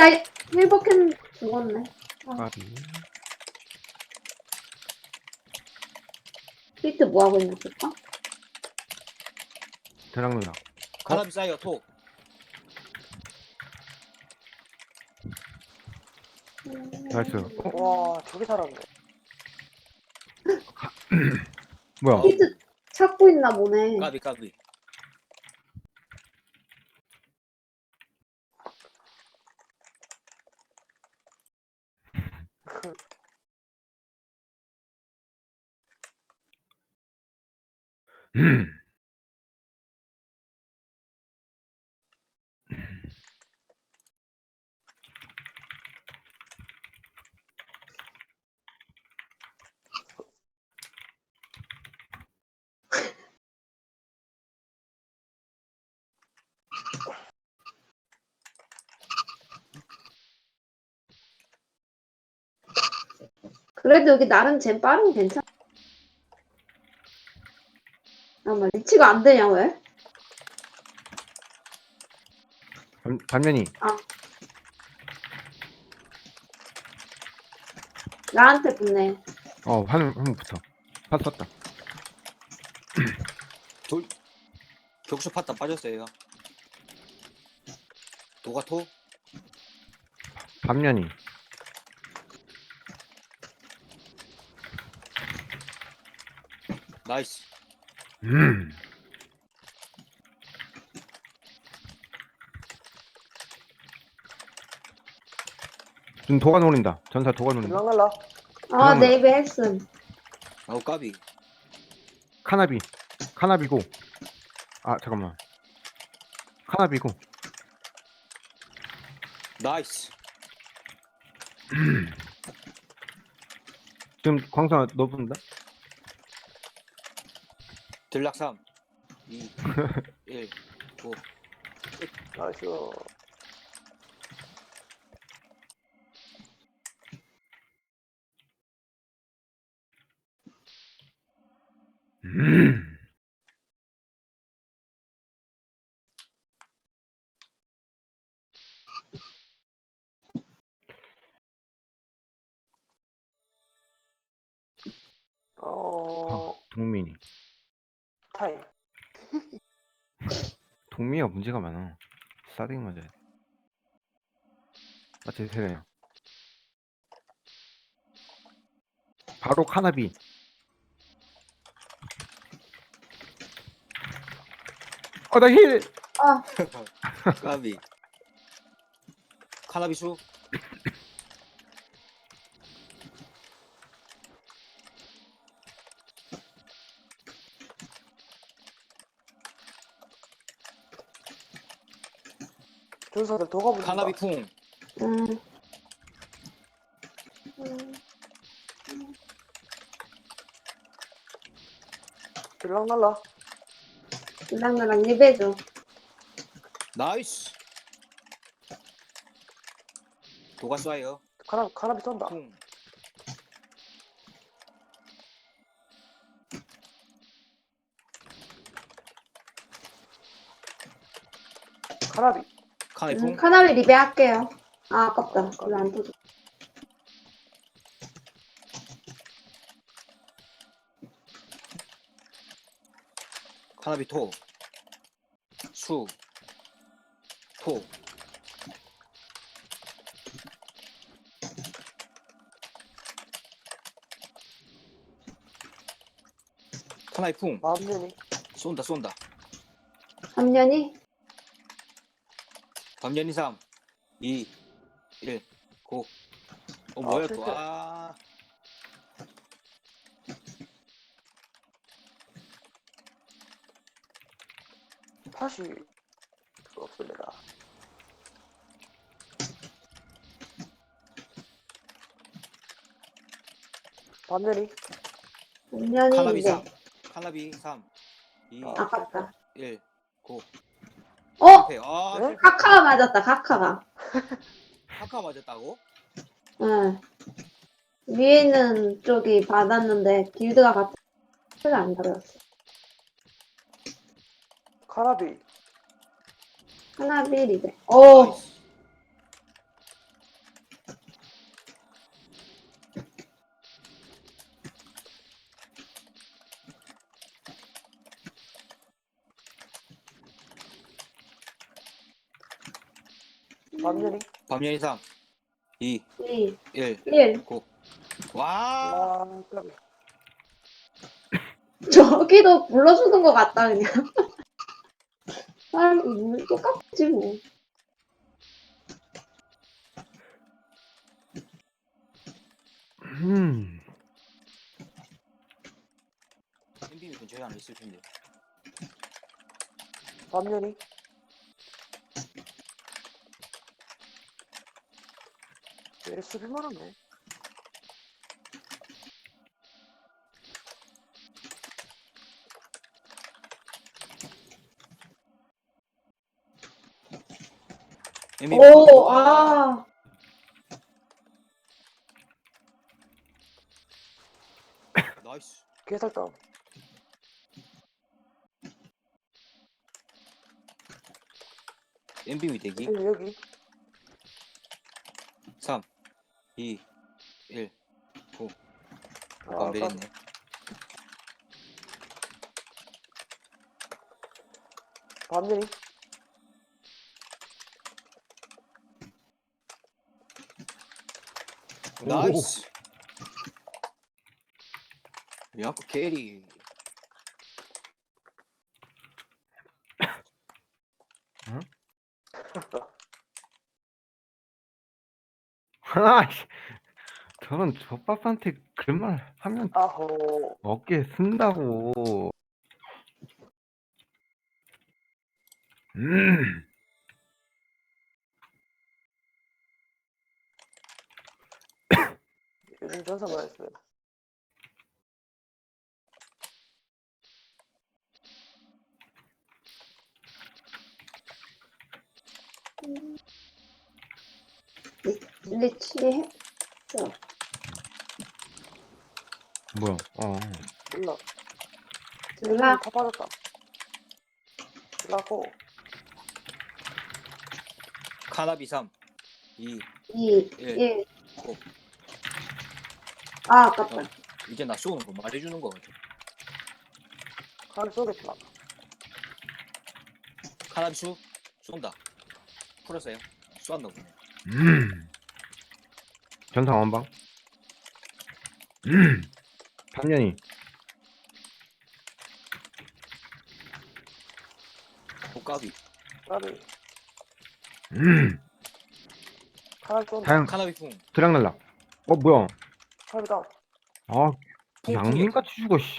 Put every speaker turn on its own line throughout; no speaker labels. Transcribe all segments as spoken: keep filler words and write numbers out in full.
나 힐버캔 죽었네. 아,
까비.
히트 뭐하고 있나 볼까?
대랑누나.
카나비 사이어 톡.
나이스. 어?
와, 저게 살았네.
뭐야?
어.
히트 찾고 있나 보네.
까비 까비.
그래도 여기 나름 젠 빠르면 괜찮아. 잠깐만, 리치가 안 되냐, 왜?
반, 반면이.
아. 나한테 붙네.
어, 한, 한번 붙어. 파 썼다.
돌 격수 파타 빠졌어요. 도가 톡.
반면이.
나이스.
음. 좀 도가 노린다. 전사 도가 노린다.
들락날라.
아, 네이비 했음.
아우 까비.
카나비. 카나비고. 아, 잠깐만. 카나비고.
나이스.
지금 광수아 너 본다?
들락 삼, 이, 일, 오.
나이스.
음.
어,
아, 동민이.
타임.
동민이가 문제가 많아. 싸대기 맞아야 돼. 맞지, 세네. 바로 카나비. 어, 나 힐!
아,
까비. 카나비수.
전사들 도가 붙는다.
카나비 풍.
음. 음.
들락날라.
나랑 나랑 리베죠.
나이스. 도가 쏴요.
카나, 카나비 쏜다.
풍.
카나비.
카나비
음,
풍.
카나비 리베 할게요. 아, 아깝다. 별로 안 터져.
카나비 토. 수. 토. 카나비 풍.
마음년이.
쏜다 쏜다.
삼년이?
밤연이 삼, 이, 일, 고. 어 뭐야 또.
실패.
아.
다시 없습니다. 반면이.
삼년이
카나비
리베.
삼, 카나비 삼, 이,
아,
아깝다.
일, 고.
어?
실패. 아,
네?
실패.
카카가 맞았다, 카카가.
카카 맞았다고?
응. 위에는 쪽이 받았는데, 길드가 같은 소리가 안 들었어.
카나비.
카나비 리베. 오!
나이스.
반면이.
밤연이 삼, 이,
이,
일,
일.
고. 와!
아, 까비.
저기도 불러주는 것 같다, 그냥. 사람, 뭐, 똑같지, 뭐.
음.
엠비비 근처에 하나 있을 텐데.
반면이. 얘 수비만 하네.
엠비비
오,
와!
아.
나이스.
개살다.
엠비비 대기.
여기, 여기.
삼, 이, 일, 고.
아,
오빠 안
까비.
내렸네.
반면이.
나이스. 야구 캐리.
아이씨, 저런 젖밥한테 그런 말 하면
아호.
어깨 쓴다고. 음.
요즘 전사 말했어요.
리치 했어.
뭐야? 어.
몰라.
몰라.
다 빠졌다. 라고.
카나비 삼, 이,
이,
일,
일.
고.
아, 아깝다.
어, 이제 나 쏘는 거 말해주는 거 같아.
칼 쏘겠다.
카나비 수 쏜다. 풀었어요. 쏘았나 보네.
음. 전상 원방. 음. 삼년이.
호까비.
까비.
음.
칼 쏜다.
다양
카나비 풍.
드랑 날락. 어 뭐야?
칼 다운.
아
풍,
양민같이 죽어 씨.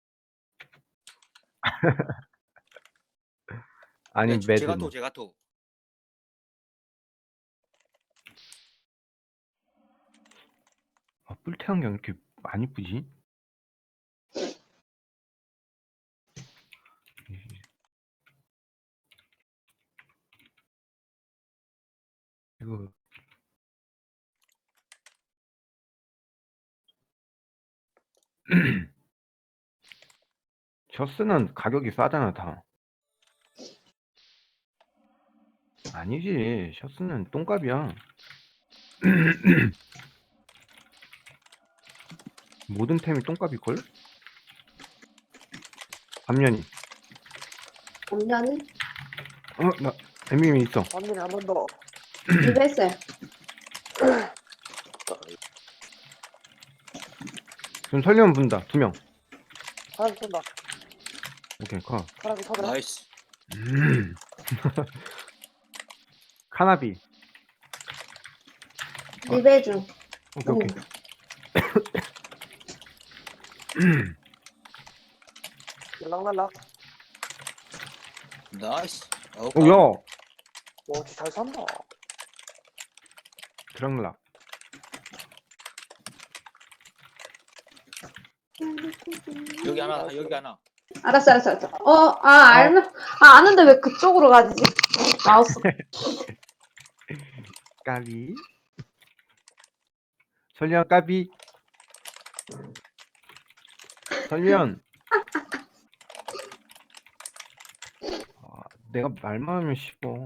아니
네,
매드.
제가토 제가토.
아, 뿔태안경 이렇게 안 이쁘지? 이거 셔츠는 가격이 싸잖아 다. 아니지 셔츠는 똥값이야. 모든 템이 똥값일걸? 밤년이.
작년에
어? 나 엠비미 있어.
반면이 한 번 더.
이거 했어요.
지금 설리면 분다 두명.
칼 쏜다.
오케이 컷.
칼이 터져.
나이스.
음. 카나비.
리베중.
오케이 오케이.
날락날락.
나이스. 어,
오야
와, 진짜 잘 산다.
드랑락.
여기 하나, 여기 하나.
알았어, 알았어, 알았어. 어, 아, 알면, 아, 아는데 왜 그쪽으로 가지? 마우스.
까비. 설리안 까비. 설리안. 아, 내가 말만 하면 씹어.